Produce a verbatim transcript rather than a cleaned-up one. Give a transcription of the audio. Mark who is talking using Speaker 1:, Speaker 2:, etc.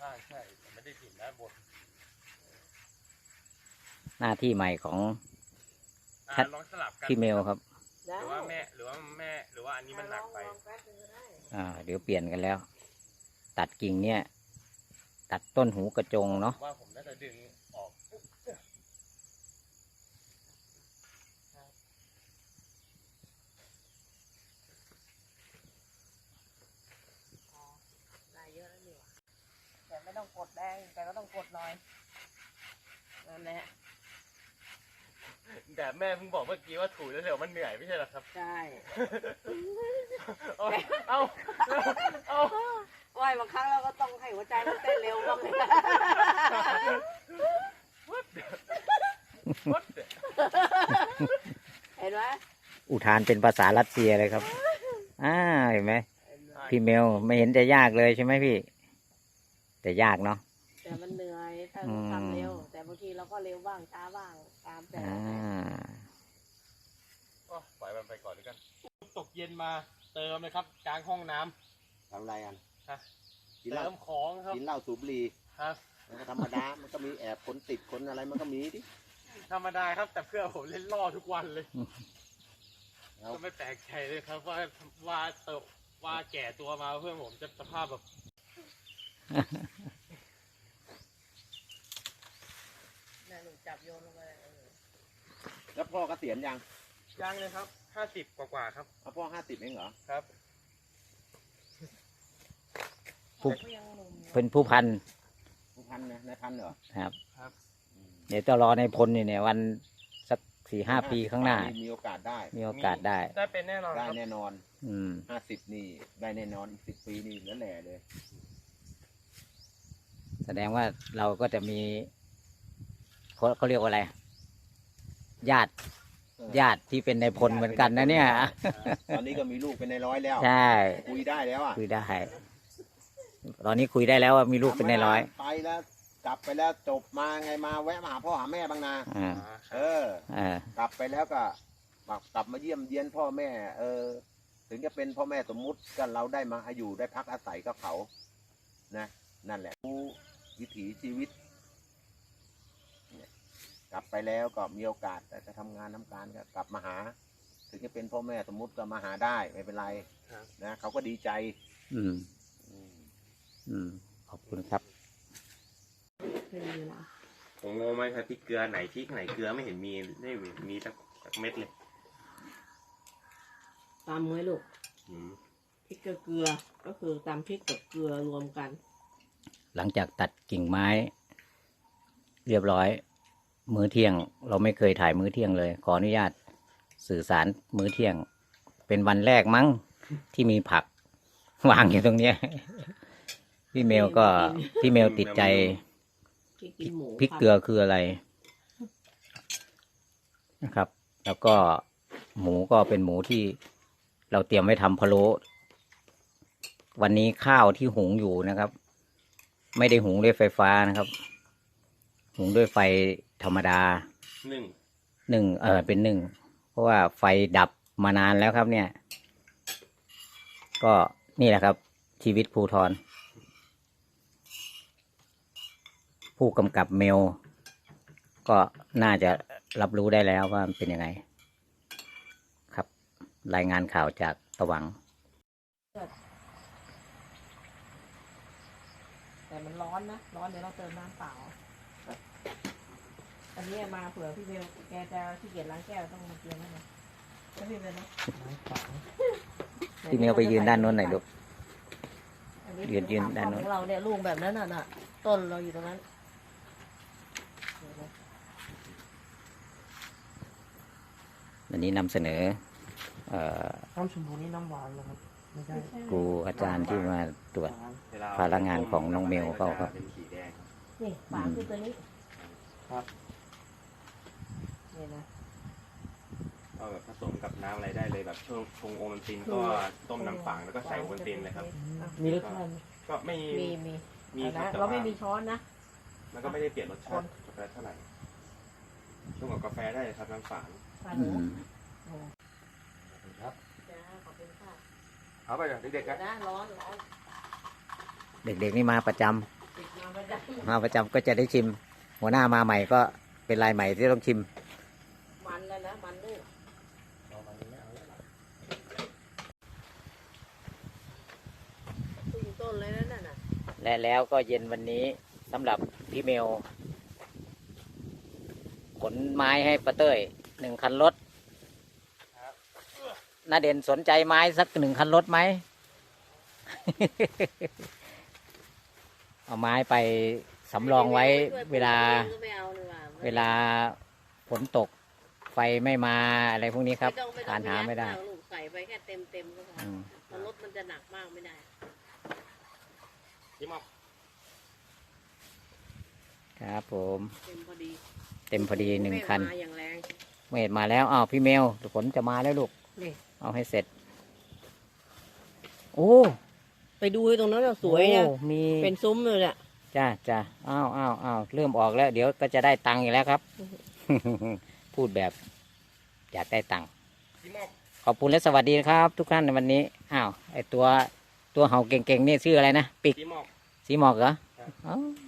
Speaker 1: าใช่แต่ไม่ได้ถิ่นด้านบน
Speaker 2: หน้าที่ใหม่ของ
Speaker 1: ลองสลับกัน
Speaker 2: พี่เมลครับ
Speaker 1: หรือว่าแม่หรือว่าแม่หรือว่าอันนี้มันหนักไป
Speaker 2: อ่าเดี๋ยวเปลี่ยนกันแล้ว ตัดกิ่งเนี่ยตัดต้นหูกระจงเนาะ
Speaker 1: ว่าผมน่าจะดึงออก
Speaker 3: ได้เยอะแล้วนี่หว่าแต่ไม่ต้องกดแรงแต่ก็ต้องกดหน่อยนั่นแหละ
Speaker 1: แต่แม่เพิ่งบอกเมื่อกี้ว่าถูแล้วเดี๋ยวมันเหนื่อยไม่ใช่หรอครับ
Speaker 3: ใช่
Speaker 1: เอาเอาเอา
Speaker 3: ว่ายบางครั้งเราก็ต้องให้หัวใจมันเต้นเร็วบ้างเลยเห็นไหม
Speaker 2: อุทานเป็นภาษารัสเซียเลยครับอ่าเห็นไหมพี่เมลไม่เห็นจะยากเลยใช่ไหมพี่แต่ยากเนาะ
Speaker 3: แต่มันเหนื่อยถ้าทำเร็วแต่บางทีเราก็เร็วบ้างช้าบ้างตามแต่
Speaker 1: ก็ปล่อยมันไปก่อนด้วยกันตกเย็นมาเติมเลยครับกลางห้องน้
Speaker 4: ำทำอะไรกัน
Speaker 1: เติมของครับ
Speaker 4: กินเหล้าสูบบุหรี่
Speaker 1: ครับ
Speaker 4: มันก็ธรรมดามันก็มีแอบคนติดคนอะไรมันก็มีดิ
Speaker 1: ธรรมดาครับแต่เพื่อผมเล่นล่อทุกวันเลยก็ไม่แปลกใจเลยครับว่าว่าเติบว่าแก่ตัวมาเพื่อนผมจะสภาพแบบ
Speaker 3: น่าหนูจับโยนลงไป
Speaker 4: แล้วพ่อเกษียณยัง
Speaker 1: ยังเลยครับห้าสิบกว่าๆครับ
Speaker 4: พ่อห้าสิบเองเหรอ
Speaker 1: ครับ
Speaker 2: เป็นผู้พัน
Speaker 4: ผู้พันนะนายพันเหรอ
Speaker 2: ครับ
Speaker 1: ครับ
Speaker 2: เดี๋ยวจะรอในพลเนี่ยวันสักสี่ห้าปีข้างหน้า
Speaker 4: มีโอกาสได้
Speaker 2: มีโอกาสได้
Speaker 1: ได้เป็นแน่นอน
Speaker 4: ได้แน่นอน
Speaker 2: อืม
Speaker 4: ห้าสิบนี่ได้แน่นอนอีกสิบปีนี่เหลือแหล่เลย
Speaker 2: แสดงว่าเราก็จะมีเขาเขาเรียกว่าอะไรญาติญาติที่เป็นในพลเหมือนกันนะเนี่ย
Speaker 4: ตอนนี้ก็มีลูกเป็นในร้อยแล้ว
Speaker 2: ใช่
Speaker 4: คุยได้แล้วอ่ะ
Speaker 2: คุยได้ตอนนี้คุยได้แล้วว่ามีลูกเป็นในร้อย
Speaker 4: ไปแล้วกลับไปแล้วจบมาไงมาแวะมาหาพ่อหาแม่บ้างนะเออกลับไปแล้วก็กลับมาเยี่ยมเยียนพ่อแม่เออถึงจะเป็นพ่อแม่สมมุติกันเราได้มาอยู่ได้พักอาศัยกับเขานะนั่นแหละรู้วิถีชีวิตกลับไปแล้วก็มีโอกาสจะทำงานทำการก็กลับมาหาถึงจะเป็นพ่อแม่สมมุติก็มาหาได้ไม่เป็นไรนะเขาก็ดีใจ
Speaker 2: อืมอืมขอบคุณครับ
Speaker 1: ผมงงไหมครับพริกเกลือไหนพริกไหนเกลือไม่เห็นมีไม่มีสักเม็ดเลย
Speaker 3: ตามมือลูกพริกเกลือก็คือตามพริกกับเกลือรวมกัน
Speaker 2: หลังจากตัดกิ่งไม้เรียบร้อยมื้อเที่ยงเราไม่เคยถ่ายมื้อเที่ยงเลยขออนุญาตสื่อสารมื้อเที่ยงเป็นวันแรกมั้งที่มีผักวางอยู่ตรงนี้พี่เมลก็พี่เมลติดใจพริกเกลือคืออะไรนะครับ แล้วก็หมูก็เป็นหมูที่เราเตรียมไว้ทำพะโล้วันนี้ข้าวที่หุงอยู่นะครับไม่ได้หุงด้วยไฟฟ้านะครับหุงด้วยไฟธรรมดา
Speaker 1: หนึ่ง
Speaker 2: หนึ่งเออเป็นหนึ่งเพราะว่าไฟดับมานานแล้วครับเนี่ยก็นี่แหละครับชีวิตภูธรผู้กำกับเมลก็น่าจะรับรู้ได้แล้วว่าเป็นยังไงครับรายงานข่าวจากตะหวัง
Speaker 3: แต่มันร้อนนะร้อนเดี๋ยวเราเติมน้ำเปล่าอันนี้มาเผื่อพี่เบลแกจะขี้เกียจล้างแก้วต้องมาเตรียมให้นะแล้วพี่เบลนะ
Speaker 2: พี่เมลไปยืนด้านโน้นหน่อยลูกยืนยืนด้านโน้น
Speaker 3: ของเราเนี่ยลูกแบบนั้นน่ะต้นเราอยู่ตรงนั้น
Speaker 2: วันนี้นำเสนอ
Speaker 3: น้ำชมพูนี่น้ำหวานเหรอครับไม่ใช่
Speaker 2: ครูอาจารย์ที่มาตรวจพลังงานของน้องเมลเขาครับ
Speaker 3: นี่ฝาคือตัวนี้ครับนี่นะ
Speaker 1: ก็แบบผสมกับน้ำอะไรได้เลยแบบช่วงชงโอวัลตินก็ต้มน้ำฝางแล้วก็ใส่โอวัลตินเลยครับ
Speaker 3: มีรสชาติ
Speaker 1: ก็ไม่
Speaker 3: มีมี
Speaker 1: มี
Speaker 3: เราไม่มีช้อนนะ
Speaker 1: มันก็ไม่ได้เปลี่ยนรสชาติกาแฟเท่าไหร่ช่วงกับกาแฟได้ครับน้ำฝาง
Speaker 4: ครับ
Speaker 1: เอาไปเด็กๆกัน
Speaker 3: นะร้อนร้อน
Speaker 2: เด็กๆนี่มาประจำ
Speaker 3: จ
Speaker 2: มาประจำก็จะได้ชิม หัวหน้ามาใหม่ก็เป็นรายใหม่ที่ต้องชิม
Speaker 3: ำมันแล้วนะมันด้วยตึงต้นเลยนั่นน่ะ
Speaker 2: และแล้วก็เย็นวันนี้สำหรับพี่เมลขนไม้ให้ป้าเต้ยหนึ่งคันรถน้าเด่นสนใจไม้สักหนึ่งคันรถไหม เอาไม้ไปสำรองไว้เวลา
Speaker 3: ไม่เอาเลยว่ะ
Speaker 2: เวลาฝนตกไฟไม่มาอะไรพวกนี้ครับ
Speaker 3: ไม่ต้องไม่ต้อง
Speaker 2: ทานหาไม่ได้
Speaker 3: ปยัลูกใส่ไปแค่เต็มเต็มๆก็พอ
Speaker 2: อืม
Speaker 3: เพราะรถมันจะหนักมากไม่ได้
Speaker 1: พี่มอก
Speaker 2: ครับผม
Speaker 3: เต็มพอดี
Speaker 2: เต็มพอดีหนึ่งคัน
Speaker 3: ไม่มาอย่างแรง
Speaker 2: เมดมาแล้วอ้าวพี่เมลฝนจะมาแล้วลูก
Speaker 3: นี่
Speaker 2: เอาให้เสร็จ โอ้
Speaker 3: ไปดูตรงนั้นเราสวยนะ
Speaker 2: โอ้มี
Speaker 3: เป็นซุ้มเลยแหละ
Speaker 2: จ้าจ้าอ้าวอ้าวอ้าวเริ่มออกแล้ว เดี๋ยวก็จะได้ตังค์อีกแล้วครับ พูดแบบอยากได้ตังค์
Speaker 1: พี่มอก
Speaker 2: ขอบคุณและสวัสดีนะครับ ทุกท่านในวันนี้อ้าวไอตัวตัวเห่าเก่งๆนี่ชื่ออะไรนะปิก
Speaker 1: พี่มอก
Speaker 2: สีหมอกเหรอ
Speaker 1: ครับ
Speaker 2: อ๋อ